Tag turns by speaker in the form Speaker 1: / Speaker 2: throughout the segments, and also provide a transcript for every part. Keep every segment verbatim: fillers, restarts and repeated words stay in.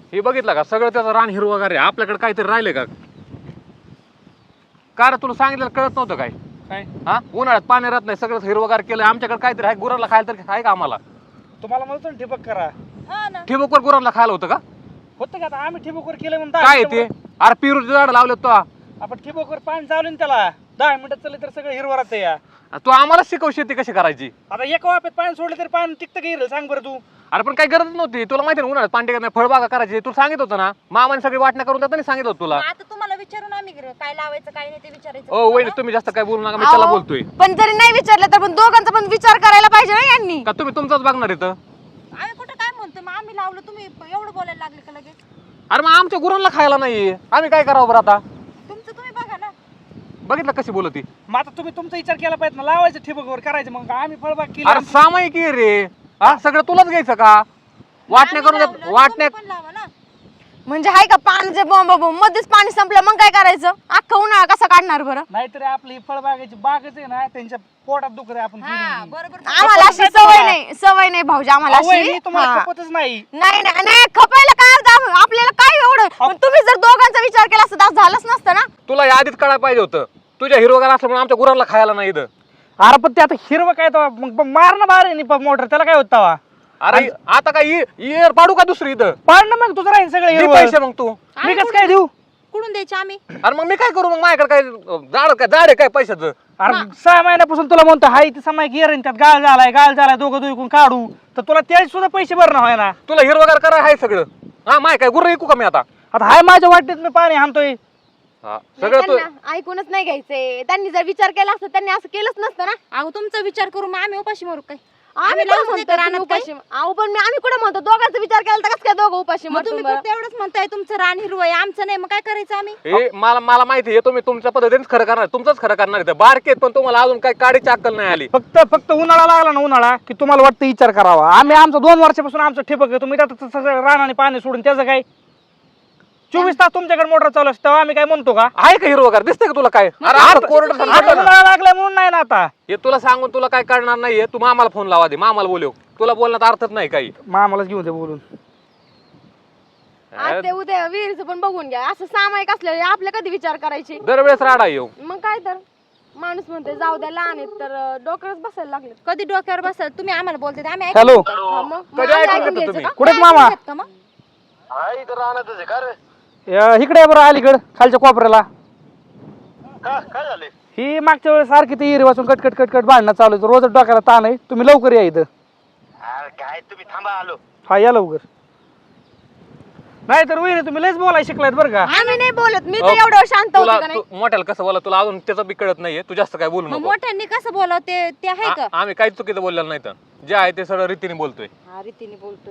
Speaker 1: हे बघितलं का सगळं त्याचं रान हिरवगार आहे आपल्याकडे काहीतरी राहिले का कार तुला सांगितलं कळत नव्हतं काय
Speaker 2: काय
Speaker 1: हा उन्हाळ्यात पाणी राहत नाही सगळं हिरवगार केलं आमच्याकडे काहीतरी आहे गुरांना खायला तर आहे का आम्हाला
Speaker 2: तुम्हाला म्हणतो ना ठिबक करा
Speaker 3: हा ना
Speaker 1: ठिबकवर गुरांना खायला होतं का
Speaker 2: होतं का आता आम्ही ठिबकवर केलं म्हणून
Speaker 1: काय
Speaker 2: दहा
Speaker 1: आहे ते
Speaker 2: मिनिटामध्ये-
Speaker 1: अरे पिरूचे झाड लावले तो
Speaker 2: आपण ठिबकवर पाणी चालू ना त्याला दहा मिनिटात चालले तर सगळं हिरवं राहतं या
Speaker 1: तू आम्हाला शिकव शेती कशी करायची
Speaker 2: आता एका वाफेत पाणी सोडलं तरी पाणी टिकतं का हिरल सांग बरं तू
Speaker 1: अरे पण काही गरज नव्हती तुला माहिती ना उन्हाळ्यात पाणी टिकत नाही फळबागा करायची तुला सांगित होतं ना मामाने सगळी वाटण्या करून देताना सांगितलं होतं तुला
Speaker 3: मग आता तुम्हाला विचारून आम्ही गेलो, काय लावायचं काय नाही ते विचारायचं
Speaker 1: ओ वहिनी तुम्ही जास्त काय बोलू नका मी त्याला
Speaker 4: अहो,
Speaker 1: बोलतोय
Speaker 4: पण जरी नाही विचारलं तर पण दोघांचा पण विचार करायला पाहिजे ना यांनी.
Speaker 1: का तुम्ही तुमचाच बघणार इथं
Speaker 3: आम्ही कुठं काय म्हणतो मग आम्ही लावलं तुम्ही एवढं बोलायला लागले का लगेच
Speaker 1: अरे मग आमच्या गुरांना खायला नाही आम्ही काय करावं बरं आता
Speaker 3: तुमचं तुम्ही बघा ना
Speaker 1: बघितलं कशी बोलती
Speaker 2: मग आता तुम्ही तुमचा विचार केला पाहिजे ना लावायचं ठिबकवर करायचं मग आम्ही फळबाग
Speaker 1: अरे
Speaker 2: केली
Speaker 1: सामायिक आहे रे हा सगळं तुलाच घ्यायचं का वाटण्या
Speaker 3: आम्ही
Speaker 1: करून
Speaker 3: लावलं,
Speaker 1: देत- वाटण्या
Speaker 3: तुम्ही पण लावा ना
Speaker 4: म्हणजे हाय का पाण्याचे बॉम्ब बॉम्ब मध्येच पाणी संपलं मग काय करायचं अख्खा उन्हाळा कसा काढणार बरं.
Speaker 2: नाहीतरी आपली ही फळबागाची बागच आहे ना त्यांच्या पोटात दुखत आहे आपण
Speaker 3: हा
Speaker 2: पिढी.
Speaker 3: बरोबर
Speaker 4: आम्हाला अशी सवय नाही सवय नाही भाऊजी आम्हाला
Speaker 2: अहो,
Speaker 4: अशी
Speaker 2: वहिनी, तुम्हाला
Speaker 4: हा.
Speaker 2: खपतच नाही
Speaker 4: नाही नाही नाही, खपायला काय अर्थ आहे? आपल्याला काय एवढं पण तुम्ही जर दोघांचा विचार केला असता तर झालंच नसतं ना.
Speaker 1: तुला या आधीच कळायला पाहिजे होतं तुझ्या हिरवगार असल्यामुळे आमच्या गुरांना खायला नाही इथं
Speaker 2: अरे पण ते आता हिरवं काय तो मग मार ना बाहेर आहे मोटर त्याला काय होता वा
Speaker 1: अरे आता काय इयर पाडू का दुसरी इथं
Speaker 2: पाड ना मग तुझं राहील सगळं
Speaker 1: दे
Speaker 2: हिरवं
Speaker 1: पैसे मग तू
Speaker 2: मी कसं काय देऊ
Speaker 3: कुठून द्यायचे आम्ही
Speaker 1: अरे मग मी काय करू मग माझ्याकडे काय झाड काय झाड आहे काय पैशाचं
Speaker 2: अरे सहा महिन्यापासून तुला म्हणतो हाय ती समाय गिअर त्यात गाळ झालाय गाळ झालाय दोघं दुखून काढू तर तुला ते सुद्धा पैसे भरणं होय ना
Speaker 1: तुला हिरवगार करा आहे सगळं हा माय काय गुरं ऐकू का मी आता
Speaker 2: आता हाय माझ्या वाटेत मी पाणी हाणतोय
Speaker 1: हा सगळं तू
Speaker 4: त्यांना ऐकूनच नाही घ्यायचंय त्यांनी जर विचार केला असता त्यांनी असं केलंच नसतं ना.
Speaker 3: अहो तुमचा विचार करू मग आम्ही उपाशी मारू काय
Speaker 4: आम्ही
Speaker 3: लावून
Speaker 4: कुठं
Speaker 3: देतो
Speaker 4: म्हणतो
Speaker 3: रानात
Speaker 4: तुम्ही
Speaker 3: काय?
Speaker 4: उपाशी अहो पण मी आम्ही कुठं म्हणतो दोघांचा विचार केला तर कसं काय दोघं उपाशी
Speaker 3: मग
Speaker 4: मरतो
Speaker 3: तुम्ही
Speaker 4: बरं?
Speaker 3: फक्त एवढंच म्हणताय तुमचं रान हिरवं आहे आमचं नाही मग काय करायचं आम्ही
Speaker 1: हे मला मला माहिती आहे तुम्ही तुमच्या पद्धतीनेच खरं करणार तुमचंच खरं करणार इथं बारकेत पण तुम्हाला अजून काही काडीची अक्कल नाही आली
Speaker 2: फक्त फक्त उन्हाळा लागला ना उन्हाळा की तुम्हाला वाटतं विचार करावा आम्ही आमचं दोन वर्षापासून आमचं ठिबक आहे तुम्ही त्यात सगळं रानाने पाणी सोडून त्याचं काय चोवीस तास तुमच्याकडे मोटर चालू असते तेव्हा आम्ही काय म्हणतो का
Speaker 1: आहे का हिरवगार दिसतंय का तुला काय अरे
Speaker 2: आता
Speaker 1: आता कोरडं
Speaker 2: आता
Speaker 1: सांगतो ना.
Speaker 2: उन्हाळा लागलाय म्हणून नाही ना आता
Speaker 1: हे तुला सांगून तुला काय करणार नाहीये तू मामाला फोन लावा दे मामाला बोलव तुला बोलण्यात अर्थच नाही काही
Speaker 2: मामालाच घेऊन दे बोलून
Speaker 4: आज ते उद्या विहिरीचं पण बघून घ्या असं सामायिक असलं आपले कधी विचार करायचे
Speaker 1: दरवेळेस राडा येऊ
Speaker 4: मग काय तर माणूस म्हणते जाऊ द्या लहान आहेत तर अं, डोक्यावरच बसायला लागले.
Speaker 3: कधी डोक्यावर बसाल तुम्ही आम्हाला बोलते ते आम्ही
Speaker 2: हॅलो
Speaker 4: हा, मग मग
Speaker 1: कधी
Speaker 4: आम्ही
Speaker 1: ऐकून
Speaker 4: ऐकून
Speaker 1: घेतो
Speaker 4: घ्यायचं
Speaker 1: तुम्ही?
Speaker 4: का?
Speaker 2: कुठे मामा
Speaker 3: ऐकून घेत का मग?
Speaker 2: या, इकडे आहे बरं अलीकड खालच्या कोपऱ्याला ही मागच्या वेळेस सारखी ती हिरी वाचून कट कट कट कट भांडणं चालू आहे. रोजच डोक्याला ताण आहे तुम्ही लवकर या इथं
Speaker 5: काय तुम्ही थांबा आलो
Speaker 2: हा या लवकर नाही तर वहिनी तुम्ही लयच बोलाय शिकलायत बरं का
Speaker 4: आम्ही नाही बोलत मी तर
Speaker 1: अहो,
Speaker 4: एवढं शांत
Speaker 1: तुला
Speaker 4: होते का नाही.
Speaker 1: तू- मोठ्याला कसं बोला तुला अजून त्याचं बी कळत नाहीये तू जास्त काय बोलू
Speaker 3: मग
Speaker 1: नको
Speaker 3: मोठ्यांनी कसं बोलाव ते ते आहे का
Speaker 1: आ- आम्ही काहीच चुकीचं बोललेलं नाही तर जे आहे ते सगळं रीतीने बोलतोय
Speaker 3: हा रीतीने बोलतोय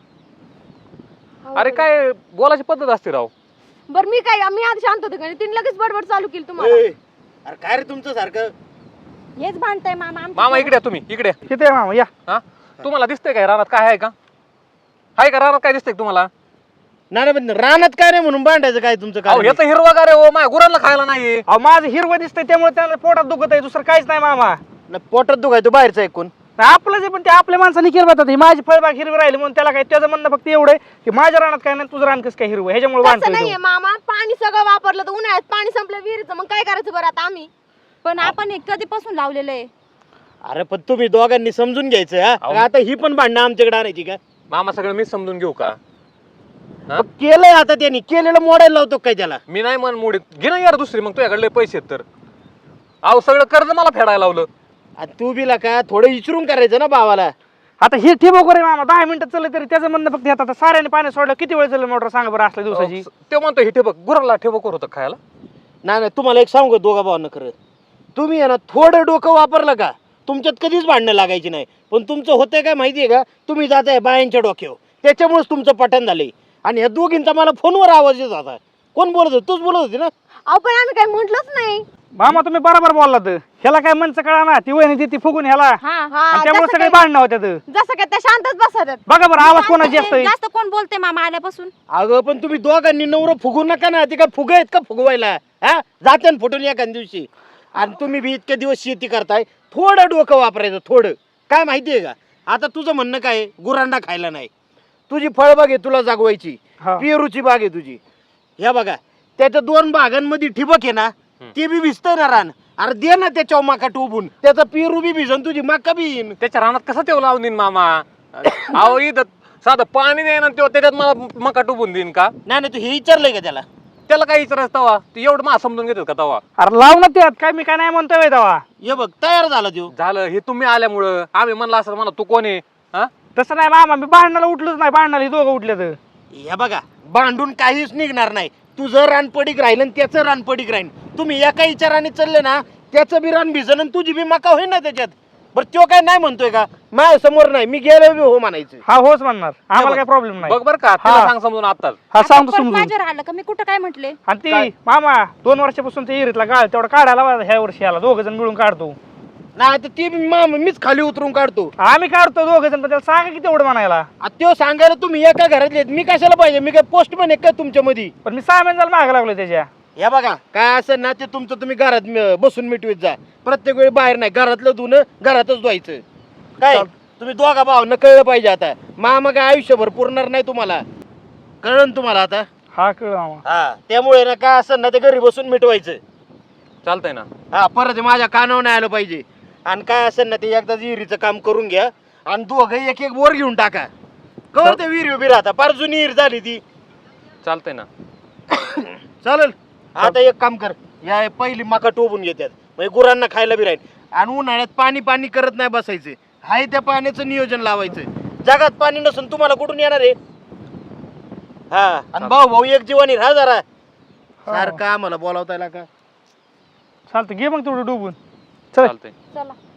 Speaker 1: अरे काय बोलायची पद्धत असते राव
Speaker 4: बरं मी काय मी आधी शांत होते का नाही तिने लगेच बडबड चालू केली तुम्हाला.
Speaker 5: अरे काय रे तुमचं सारखं
Speaker 3: हेच भांडताय मामा आमचं
Speaker 1: मामा इकडे या तुम्ही इकडे या.
Speaker 2: किती आहे मामा या
Speaker 1: हा तुम्हाला दिसतंय काय रानात काय आहे का आहे का रानात काय दिसतंय का तुम्हाला
Speaker 5: नाही पण रानात काय नाही म्हणून भांडायचं काय तुमचं
Speaker 1: अहो
Speaker 5: काय
Speaker 1: याचं हिरवागार आहे ओ माझ्या गुरांना खायला नाही
Speaker 2: अहो माझं हिरवं दिसतंय त्यामुळे त्याला पोटात दुखत आहे दुसरं काहीच नाही मामा
Speaker 5: पोटात दुखायचं बाहेरचं ऐकून
Speaker 2: आपलं जे पण ते आपल्या माणसाने हिरवतात ही माझी फळबाग हिरवी राहिली म्हणून त्याला काय त्याचं म्हणणं फक्त एवढं आहे की माझ्या रानात काय नाही तुझं रान कसं काय हिरवं ह्याच्यामुळे
Speaker 4: तसं
Speaker 2: भांडतोय
Speaker 4: नाहीये
Speaker 2: तो.
Speaker 4: मामा पाणी सगळं वापरलं तर उन्हाळ्यात पाणी संपलं विहिरीचं मग काय करायचं बरं आता आम्ही
Speaker 3: पण आपण हे कधीपासून लावलेलं आहे
Speaker 5: अरे पण तुम्ही दोघांनी समजून घ्यायचं हा
Speaker 1: अहो.
Speaker 5: आता ही पण भांडणं आमच्याकडे आणायची का
Speaker 1: मामा सगळं मी समजून घेऊ का हा?
Speaker 5: मग केलंय आता त्यांनी केलेलं मोडायला लावतो काय त्याला
Speaker 1: मी नाही मन मोडीत घे ना यार दुसरी मग तुझ्याकडले पैसे आहेत तर अहो सगळं कर्ज मला फेडायला लावलं
Speaker 5: आणि तू बिला का थोडं विचारून करायचं ना भावाला
Speaker 2: आता हे ठिबक रे मामा दहा मिनिटं चाललं तरी त्याचं म्हणणं फक्त आता साऱ्याने पाणी सोडलं किती वेळ चाललं मोटर सांगा बरं असल्या दिवसाची
Speaker 1: अहो, ते म्हणतो हे ठेबक गुराला ठेबक होतं खायला
Speaker 5: नाही नाही तुम्हाला एक सांगू का दोघा भावांना खरं तुम्ही आहे ना थोडं डोकं वापरलं का तुमच्यात कधीच भांडणं लागायची नाही पण तुमचं होतंय काय माहितीये का तुम्ही जाताय बायांच्या डोक्यावर त्याच्यामुळेच तुमचं पठण झालंय आणि ह्या दोघींचा मला फोनवर आवाज येत होता कोण बोलत होत तूच बोलत होती ना
Speaker 4: अहो पण आम्ही काही म्हंटलच नाही.
Speaker 2: मामा तुम्ही बरोबर बोललात ह्याला काय मनचं कळा ना ती वहिनी ती ती फुगून ह्याला
Speaker 3: हा
Speaker 4: हा
Speaker 2: त्यामुळे
Speaker 4: जसं
Speaker 2: सगळे
Speaker 4: काय-
Speaker 2: भांडणं होत्यात
Speaker 4: जसं काय त्या शांतच बसतात.
Speaker 2: बघा बरं आवाज कोणाची
Speaker 3: जास्त
Speaker 2: असतोय
Speaker 3: जास्त कोण बोलते मामा आल्यापासून
Speaker 5: अगं पण तुम्ही दोघांनी नवरं फुगू नका ना ती काय फुग आहेत का फुगवायला हा जाते ना फुटून एखाद्या दिवशी आणि तुम्ही बी इतके दिवस शेती करताय थोडं डोकं वापरायचं थोडं काय माहितीये का आता तुझं म्हणणं काय आहे? गुरांना खायला नाही तुझी फळबाग आहे तुला जागवायची,
Speaker 2: हा.
Speaker 5: पेरूची बाग आहे तुझी. ह्या बघा त्याच्या दोन बागांमध्ये ठिबक आहे ना, ते बी भिजतंय ना रान. अरे दे ना त्याच्यावर मका टोबून, त्याचा पेरू बी भिजन, तुझी मका बी येईन.
Speaker 1: त्याच्या रानात कसं तेव लावून देईन मामा? अहो इथं साधं पाणी देईन आणि त्यो त्याच्यात मला मका टुबून देईन का?
Speaker 5: नाही नाही, तू हे विचारलंय का त्याला?
Speaker 1: त्याला काय विचारायचं तवा? तू एवढं मा समजून घेतात का तवा?
Speaker 2: अरे लाव ना त्यात, काय मी काय नाही म्हणतोय तेव्हा.
Speaker 5: हे बघ तयार झाला देऊ.
Speaker 1: झालं हे तुम्ही आल्यामुळं. आम्ही म्हणलं असं म्हणा तू कोण आहे हा?
Speaker 2: तसं नाही मामा, मी भांडणाला उठलोच नाही. भांडणाला हे दोघं उठले तर
Speaker 5: हे बघा भांडून काहीच निघणार नाही. तुझं रान पडीक राहील आणि त्याचं रान पडीक राहील. तुम्ही एका विचाराने चालले ना, त्याचं बी रान भिजन आणि तुझी बी मका होईल ना त्याच्यात. बरं तो काय नाही म्हणतोय का? माझ्या समोर नाही, मी गेलो बी हो म्हणायचं.
Speaker 2: हा होच म्हणणार, आम्हाला काय प्रॉब्लेम नाही.
Speaker 1: बघ बर का, तिला
Speaker 2: हा.
Speaker 1: सांग समजून आताच.
Speaker 2: हा
Speaker 3: आता
Speaker 2: सांगतो
Speaker 3: परत
Speaker 2: समजून.
Speaker 3: माझ्यावर आलं का? मी कुठं काय म्हटले?
Speaker 2: आणि ती मामा दोन वर्षापासून ते इरीतला गाळ तेवढा काढायला लावा, ह्या वर्षी आला दोघ जण मिळून काढतो.
Speaker 5: नाही तर ती बी मा- मीच खाली उतरून काढतो.
Speaker 2: आम्ही काढतो दोघ जण, पण त्याला सांगा की तेवढं म्हणायला.
Speaker 5: आ, त्यो सांगायला तुम्ही एका घरातले आहेत. मी कशाला पाहिजे? मी काय पोस्टमॅन आहे का तुमच्या मध्ये?
Speaker 2: पण मी सहा महिन्याला मागे लागलो त्याच्या.
Speaker 5: या बघा काय असं ना ते तुमचं तुम्ही घरात म- बसून मिटवीत जा. प्रत्येक वेळी बाहेर नाही, घरातलं धुणं घरातच धुवायचं. काय तुम्ही दोघा भावांना कळलं पाहिजे. आता मामा काय आयुष्यभर पुरणार नाही तुम्हाला, कळलं ना तुम्हाला आता?
Speaker 2: हा कळ मामा.
Speaker 5: हा त्यामुळे ना काय असं ना ते घरी बसून मिटवायचं.
Speaker 1: चालतंय ना.
Speaker 5: हा परत माझ्या कानावर नाही आलं पाहिजे. आणि काय असेल ना ते एकदा विहिरीचं काम करून घ्या आणि दोघं एक एक वर घेऊन टाका. कवर ते विहीर उभी राहता, फार जुनी विहीर झाली ती.
Speaker 1: चालतंय ना.
Speaker 5: चालेल. आता एक काम कर, या पहिली मका टोबून घेतात म्हणजे गुरांना खायला बी राहील. आणि उन्हाळ्यात पाणी पाणी करत नाही बसायचं, हाय त्या पाण्याचं नियोजन लावायचं. जगात पाणी नसून तुम्हाला कुठून येणार आहे? हा आणि भाऊ भाऊ एक जीवानी राहा जरा. सारखं आम्हाला बोलावता का?
Speaker 2: चालतं, घे मग तेवढं डुबून. चल
Speaker 1: चालतंय.
Speaker 3: चला